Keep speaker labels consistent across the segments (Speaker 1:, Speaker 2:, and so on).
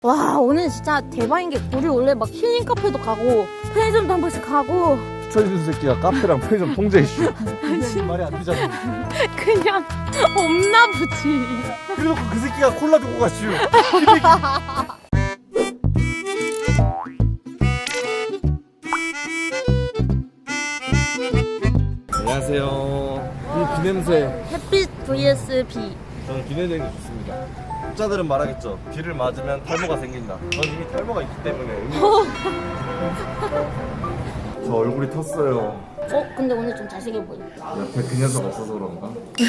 Speaker 1: 와 오늘 진짜 대박인 게 우리 원래 막 힐링 카페도 가고 편의점도 한 번씩 가고
Speaker 2: 추천해준 새끼가 카페랑 편의점 통제 이슈. 말이 안 되잖아.
Speaker 1: 그냥 없나 보지.
Speaker 2: 그래놓고 그 새끼가 콜라 두고 갔슈. 안녕하세요. 이 비냄새.
Speaker 1: 햇빛 vs 비.
Speaker 2: 저는 비 내는 게 좋습니다. 학자들은 말하겠죠. 비를 맞으면 탈모가 생긴다. 전 이미 탈모가 있기 때문에. 저 얼굴이 텄어요.
Speaker 1: 근데 오늘 좀 잘생겨 보여.
Speaker 2: 옆에 그 녀석 없어서 그런가?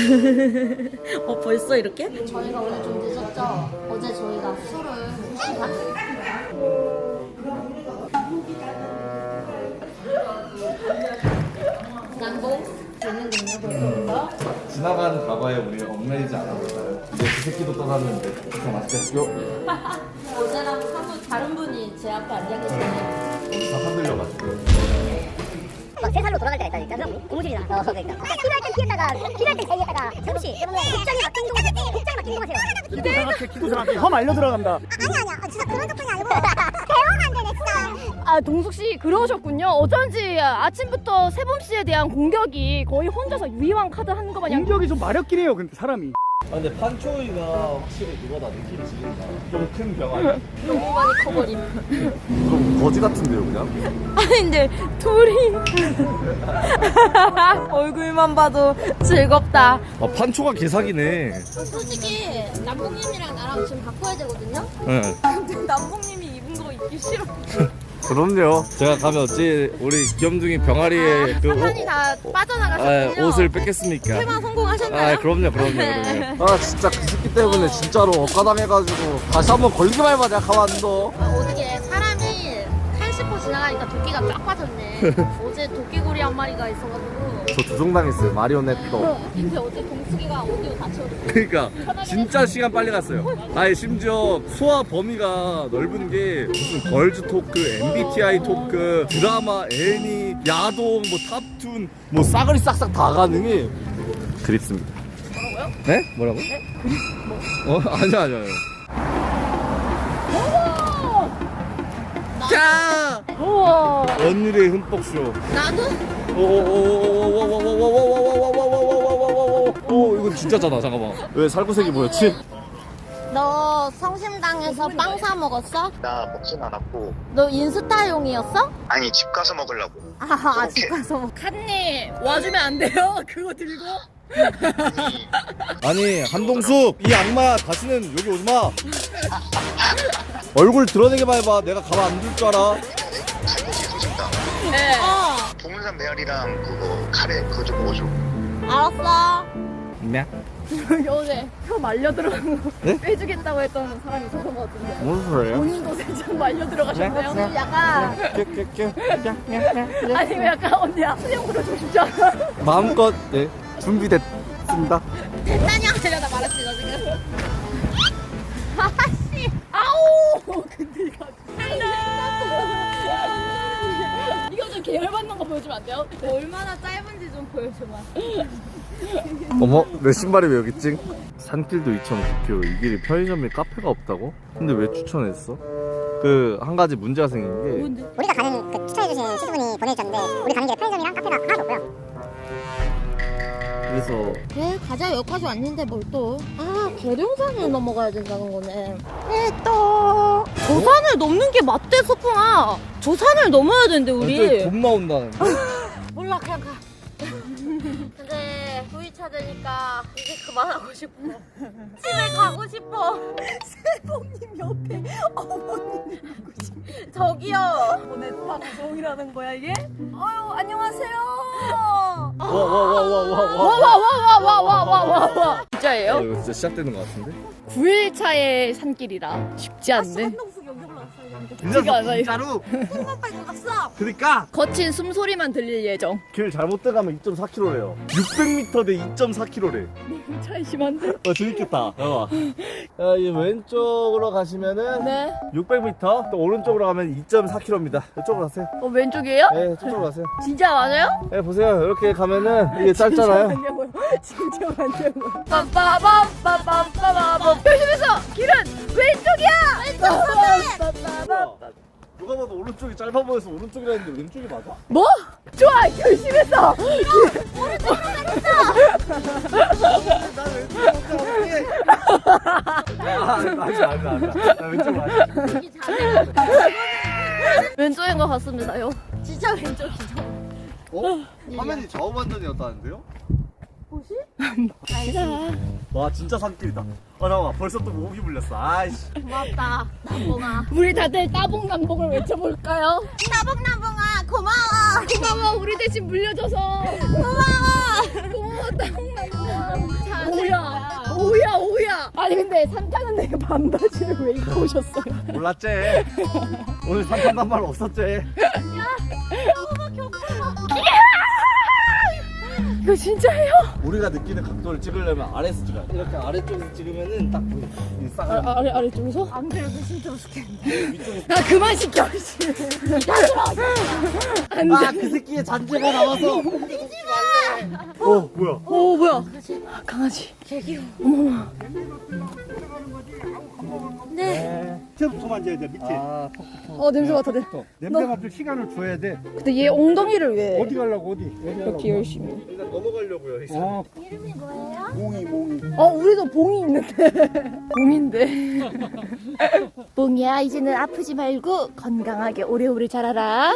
Speaker 1: 벌써 이렇게? 저희가 오늘 좀 늦었죠? 어제 저희가 술을 2시간 난동 재밌는군요 벌써부터.
Speaker 2: 지나간 과거에 우리 얽매이지 않았나요? 이제 그 새끼도 떠났는데 그래서 맛있겠죠?
Speaker 1: 어제랑 사뭇 다른 분이 제 앞에 앉아 계시네요.
Speaker 2: 다 흔들려가지고.
Speaker 3: 막 3살로 돌아갈 때가 있다니까 그럼 고무줄이잖아. 그러니까 필요할 땐 피했다가 필요할 땐 제의했다가 잠시 복장에 맡긴 동하세요.
Speaker 4: 기도 생각해, 기도 생각해. 험 알려 들어간다.
Speaker 3: 아니야 진짜 그런 덕분이 아니고 대화가 안 되네 진짜.
Speaker 5: 아 동숙 씨 그러셨군요. 어쩐지 아침부터 세범 씨에 대한 공격이 거의 혼자서 유희왕 카드 하는 거 마냥.
Speaker 4: 공격이 좀 마렵긴 해요. 근데 사람이.
Speaker 2: 아 근데 판초이가 확실히 그거다. 느낌이 지린다. 좀 큰 병 아니야?
Speaker 1: 너무 많이 커버림.
Speaker 2: 그럼 거지 같은데요 그냥?
Speaker 1: 아니 근데 둘이 얼굴만 봐도 즐겁다.
Speaker 2: 아 판초가 개사기네.
Speaker 1: 솔직히 남봉님이랑 나랑 지금 바꿔야 되거든요?
Speaker 2: 네.
Speaker 1: 근데 남봉님이 입은 거 입기 싫어.
Speaker 2: 그럼요. 제가 가면 어찌 우리 귀염둥이 병아리의 그
Speaker 1: 사탄이 다 빠져나가셨군요.
Speaker 2: 옷을 뺏겠습니까?
Speaker 1: 퇴마 성공하셨나요?
Speaker 2: 그럼요. 아 진짜 그 새끼 때문에 진짜로 억가당해가지고 다시 한번 걸리기만 해봐. 내가 가만 안 둬.
Speaker 1: 어떻게 사람이 칼 씹고 지나가니까 도끼가 쫙 빠졌네. 어제 도끼고리 한 마리가 있어가지고.
Speaker 2: 저 조종당했어요. 마리오넷도.
Speaker 1: 근데 어제 동숙이가 오디오 다 채워줬어.
Speaker 2: 그러니까 진짜 시간 빨리 갔어요. 아니 심지어 소화 범위가 넓은 게 무슨 걸즈 토크, MBTI 토크, 드라마, 애니, 야동, 뭐 탑툰, 뭐 싸그리 싹싹 다 가능해. 그립습니다. 뭐라고요? 네? 뭐라고? 네? 그립 뭐? 아니야. 자!
Speaker 5: 우와.
Speaker 2: 언니의 흠뻑쇼.
Speaker 1: 나도?
Speaker 2: 오 이거 진짜잖아. 잠깐만. 왜 살구색이 뭐였지?
Speaker 1: 너 성심당에서 빵 사 먹었어?
Speaker 6: 나 먹진 않았고.
Speaker 1: 너 인스타용이었어?
Speaker 6: 아니 집 가서 먹으려고.
Speaker 1: 집 가서 먹.
Speaker 5: 칸님 와주면 안 돼요? 그거 들고?
Speaker 2: 아니 한동숙 이 악마 다시는 여기 오지마. 얼굴 드러내게만 해봐. 내가 가만 안 둘 줄 알아.
Speaker 6: 칼국수 소식다.
Speaker 5: 네.
Speaker 6: 동물산 메아리랑 그거 카레 그거 좀 먹어줘.
Speaker 1: 알았어.
Speaker 2: 네?
Speaker 5: 어제 혀 말려 들어간 거
Speaker 2: 네?
Speaker 5: 빼주겠다고 했던 사람이 있었던 것 같은데.
Speaker 2: 무슨 소리예요?
Speaker 5: 본인도 살짝 말려 들어가셨나요?
Speaker 1: 약간
Speaker 5: 아니면 약간 언니야 수영 부려주고 싶지 않아?
Speaker 2: 마음껏 네 준비됐습니다.
Speaker 1: 됐다냐 하려다 말았지 너 지금. 아씨.
Speaker 5: 아우! 근데 이거 이거 좀 계열받는 거 보여주면 안 돼요?
Speaker 1: 얼마나 짧은지 좀 보여줘봐.
Speaker 2: 어머 내 신발이 왜 여기 있지? 산길도 2,009km 이 길이 편의점에 카페가 없다고? 근데 왜 추천했어? 그 한 가지 문제가 생긴 게
Speaker 3: 우리가 가는 그 추천해주신 시수분이 보내주셨는데 우리 가는 길에 편의점이랑 카페가 하나도 없고요.
Speaker 2: 그래서
Speaker 1: 그래 가자 여기까지 왔는데 뭘 또. 계룡산을 넘어가야 된다는 거네. 또. 저 산을 넘는 게 맞대 소풍아. 저 산을 넘어야 되는데
Speaker 2: 완전
Speaker 1: 우리.
Speaker 2: 돈 나온다는데?
Speaker 1: 몰라 그냥 가. 근데 V차 되니까 이제 그만하고 싶어. 집에 가고 싶어. 세봉님 옆에 어머님이 가고 싶어. 저기요.
Speaker 5: 오늘 방송이라는 거야 이게? 아유 안녕하세요.
Speaker 2: 와와와와와와와와와와
Speaker 5: 진짜예요?
Speaker 2: 이거 진짜 시작되는 것 같은데?
Speaker 5: 9일차의 산길이라 쉽지 않네.
Speaker 1: 한동숙 여기 올라왔어.
Speaker 5: 지가 않아 이거.
Speaker 2: 진짜로?
Speaker 1: 손만 빨고 갔어.
Speaker 2: 그니까
Speaker 5: 거친 숨소리만 들릴 예정.
Speaker 2: 길 잘못 들어가면 2.4km래요 600m 대 2.4km래
Speaker 5: 차이 심한데?
Speaker 2: 재밌겠다. 봐봐. 이 왼쪽으로 가시면은
Speaker 5: 네.
Speaker 2: 600m, 또 오른쪽으로 가면 2.4km입니다. 이쪽으로 가세요.
Speaker 5: 왼쪽이에요?
Speaker 2: 네, 저쪽으로 가세요.
Speaker 5: 진짜 맞아요?
Speaker 2: 네, 보세요. 이렇게 가면은 이게 짧잖아요.
Speaker 5: 진짜 맞냐고요? 진짜 맞냐고요? 빰빠밤빰빰빰빰 열심히 써! 길은 왼쪽이야.
Speaker 2: 누가 봐도 오른쪽이 짧아 보여서 오른쪽이라 했는데 왼쪽이 맞아?
Speaker 5: 뭐? 좋아, 결심했어.
Speaker 2: 난 왼쪽 맞아.
Speaker 5: 왼쪽인 것 같습니다요.
Speaker 1: 진짜 왼쪽이죠.
Speaker 2: 어? 화면이 좌우 반전이었다는데요? 와 진짜 산길이다. 잠깐만 벌써 또 목이 물렸어. 아이씨.
Speaker 1: 고맙다, 남봉아.
Speaker 5: 우리 다들 따봉남봉을 외쳐볼까요?
Speaker 1: 남봉아, 고마워.
Speaker 5: 고마워, 우리 대신 물려줘서. 고마워, 따봉남봉. 오야. 아니 근데 산 타는 데 반바지를 왜 입고 오셨어요?
Speaker 2: 몰랐지? 오늘 산탄단 말 없었지?
Speaker 5: 이거 진짜예요?
Speaker 2: 우리가 느끼는 각도를 찍으려면 아래에서 찍어야 돼. 이렇게 아래쪽에서 찍으면은 딱 보여. 이 쌍.
Speaker 5: 아래쪽에서?
Speaker 1: 안 그래도 진짜 좋겠네.
Speaker 2: 위쪽에서.
Speaker 5: 아 그만 시켜.
Speaker 2: 그 새끼의 잔재가 나와서. 뭐야?
Speaker 5: 오 뭐야? 강아지.
Speaker 4: 밑에부터 만져야 돼, 밑에.
Speaker 5: 냄새 맡아 돼.
Speaker 4: 냄새 맡을 시간을 줘야 돼.
Speaker 5: 근데 얘 엉덩이를 왜
Speaker 4: 어디 가려고, 어디?
Speaker 5: 이렇게 열심히?
Speaker 2: 일단 넘어가려고요. 이제.
Speaker 1: 이름이 뭐예요?
Speaker 4: 몽이.
Speaker 5: 우리도 봉이 있는데. 봉인데.
Speaker 1: 봉이야, 이제는 아프지 말고 건강하게 오래오래 자라라.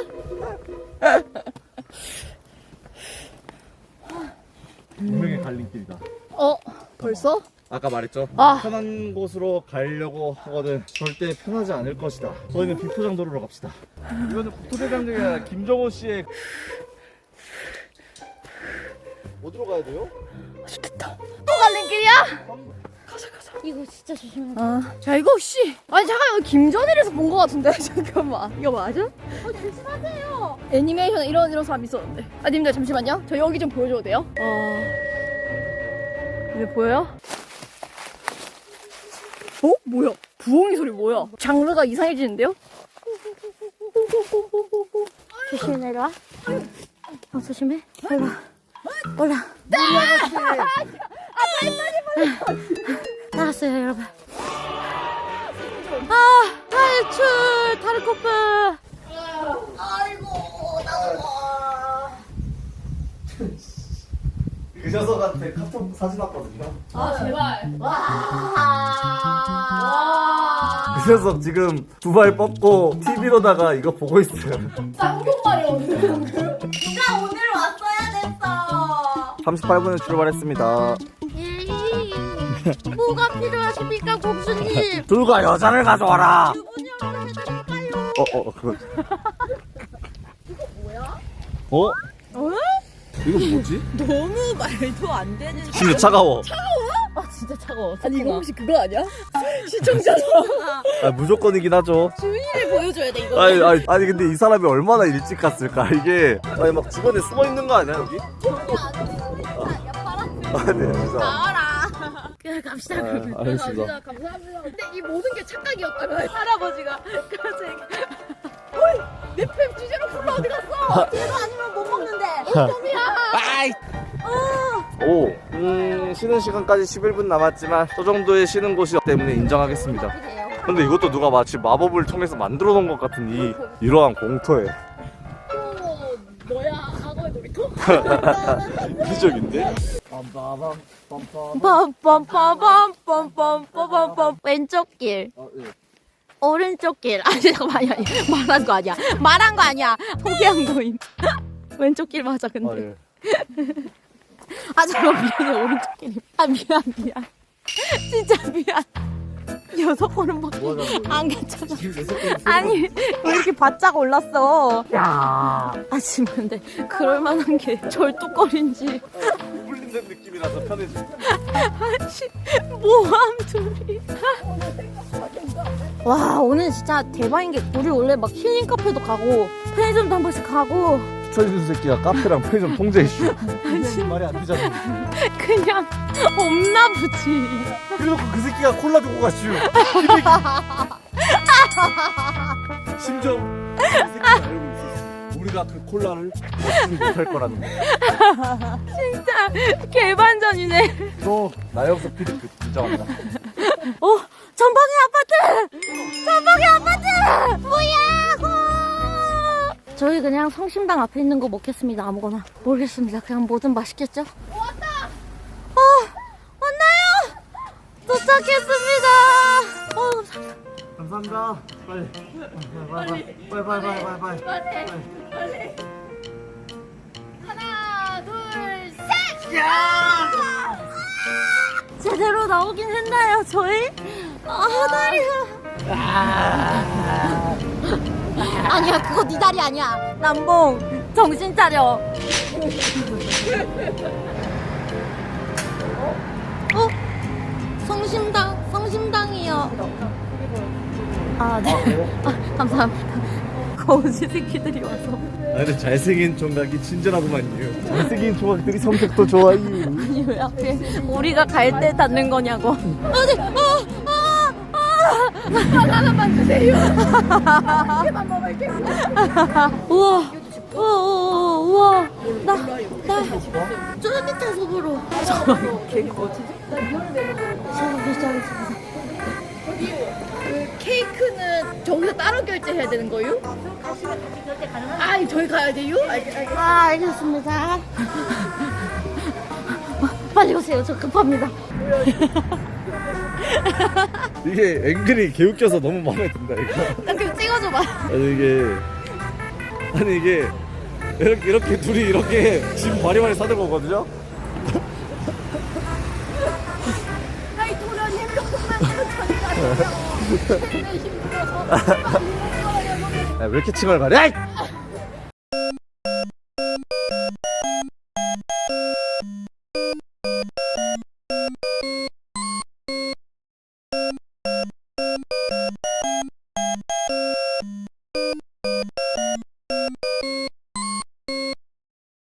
Speaker 2: 운명의 갈림길이다.
Speaker 5: 벌써?
Speaker 2: 아까 말했죠?
Speaker 5: 아.
Speaker 2: 편한 곳으로 가려고 하거든 절대 편하지 않을 것이다. 저희는 비포장도로로 갑시다. 이거는 국토대장정이 아니라 김정호 씨의 어디로 가야 돼요?
Speaker 5: 됐다. 또 갈림길이야?
Speaker 1: 이거 진짜 조심해.
Speaker 5: 야 이거 씨. 아니 잠깐 이거 김전일에서 본 거 같은데. 잠깐만. 이거 맞아?
Speaker 1: 조심하세요.
Speaker 5: 애니메이션에 이런 사람 있었는데. 님들 잠시만요. 저 여기 좀 보여줘도 돼요? 이제 보여요? 뭐야? 부엉이 소리 뭐야? 장르가 이상해지는데요?
Speaker 1: 조심히 내려와. 조심해. 아이고. 올라. 나왔어요, 여러분. 탈출! 타르코프!
Speaker 2: 그 녀석한테 카톡 사진 왔거든요.
Speaker 5: 제발.
Speaker 2: 그 녀석 지금 두 발 뻗고 TV로다가 이거 보고 있어요.
Speaker 5: 쌍욕말이거든요.
Speaker 1: 누가 오늘 왔어야 됐어.
Speaker 2: 38분에 출발했습니다.
Speaker 1: 뭐가 필요하십니까, 공주님?
Speaker 2: 둘과 여자를 가져와라.
Speaker 1: 분양을 해드릴까요?
Speaker 2: 그거. 이거 뭐야? 이거 뭐지?
Speaker 1: 너무 말도 안 되는.
Speaker 2: 진짜 차가워.
Speaker 1: 진짜 차가워.
Speaker 5: 아니 이거 혹시 그거 아니야? 시청자죠?
Speaker 2: 무조건이긴 하죠.
Speaker 1: 주인을 보여줘야 돼, 이거.
Speaker 2: 아니 근데 이 사람이 얼마나 일찍 갔을까? 이게 막 주변에 숨어 있는 거 아니야 여기? 네 진짜.
Speaker 1: 나와라. 그냥 갑시다, 그러면.
Speaker 2: 알겠습니다.
Speaker 5: 감사합니다. 근데 이 모든 게 착각이었다면
Speaker 1: 할아버지가 갑자기.
Speaker 5: 내 팸 주제로 콜라 어디 갔어?
Speaker 1: 이거 아니면 못 먹는데.
Speaker 2: 쉬는 시간까지 11분 남았지만 저 정도의 쉬는 곳이 때문에 인정하겠습니다. 근데 이것도 누가 마치 마법을 통해서 만들어 놓은 것 같은 이러한 공터에
Speaker 5: 뭐야? 악어의 놀이터?
Speaker 2: 이기적인데?
Speaker 1: 빰빰빰빰빰빰빰빰. 왼쪽 길. 오른쪽 길. 아니, 잠깐만, 아니, 말한 거 아니야. 포기한 거임. 왼쪽 길 맞아, 근데. 잠깐만, 미안해, 오른쪽 길이. 미안. 진짜 미안. 6번은 막 안 괜찮아. 아니, 왜 이렇게 바짝 올랐어? 지금 근데 그럴만한 게 절뚝거린지.
Speaker 2: 풀린된 느낌이라서 편해지.
Speaker 1: 모함 둘이. 와, 오늘 진짜 대박인 게 우리 원래 막 힐링 카페도 가고 편의점도 한 번씩 가고
Speaker 2: 천준 새끼가 카페랑 편의점 통제 이슈. 말이 안 되잖아.
Speaker 1: 그냥 없나 보지.
Speaker 2: 그래놓고 그 새끼가 콜라 두고 갔슈. 심지어 그 새끼가 알고 있었어. 우리가 그 콜라를 먹지 못할 거라는 거.
Speaker 1: 진짜 개반전이네.
Speaker 2: 너 나영석 피디급 인정한다.
Speaker 1: 전방의 아파트! 전방의 아파트! 뭐야! 저희 그냥 성심당 앞에 있는 거 먹겠습니다. 아무거나. 모르겠습니다. 그냥 뭐든 맛있겠죠? 왔다! 왔나요? 도착했습니다. 감사합니다.
Speaker 4: 감사합니다. 빨리.
Speaker 5: 하나, 둘, 셋!
Speaker 1: 제대로 나오긴 했나요, 저희? 다리야. 아니야, 그거 네 다리 아니야. 남봉, 정신 차려. 성심당이요. 네. 감사합니다. 거지 새끼들이 와서.
Speaker 2: 근데 잘생긴 총각이 친절하구만요. 잘생긴 총각들이 성격도 좋아요.
Speaker 1: 아니, 왜 앞에 우리가 갈 때 닿는 거냐고. 아니,
Speaker 5: 하나만 주세요. 이렇게만 먹을게요.
Speaker 1: 우와. 쫄깃해서
Speaker 5: 케이크는 저기서 따로 결제해야 되는 거요? 아, 저희 가야 돼요?
Speaker 1: 알겠습니다. 빨리 오세요. 저 급합니다.
Speaker 2: 이게 앵글이 개웃겨서 너무 마음에 든다 이거.
Speaker 1: 나 그럼 찍어줘봐.
Speaker 2: 아니 이게 이렇게 둘이 이렇게 짐 바리바리 싸들고 오거든요.
Speaker 5: 아이, 도련님 조금만 천천히 가세요. 힘들어서.
Speaker 2: 왜 이렇게 칭얼 가래?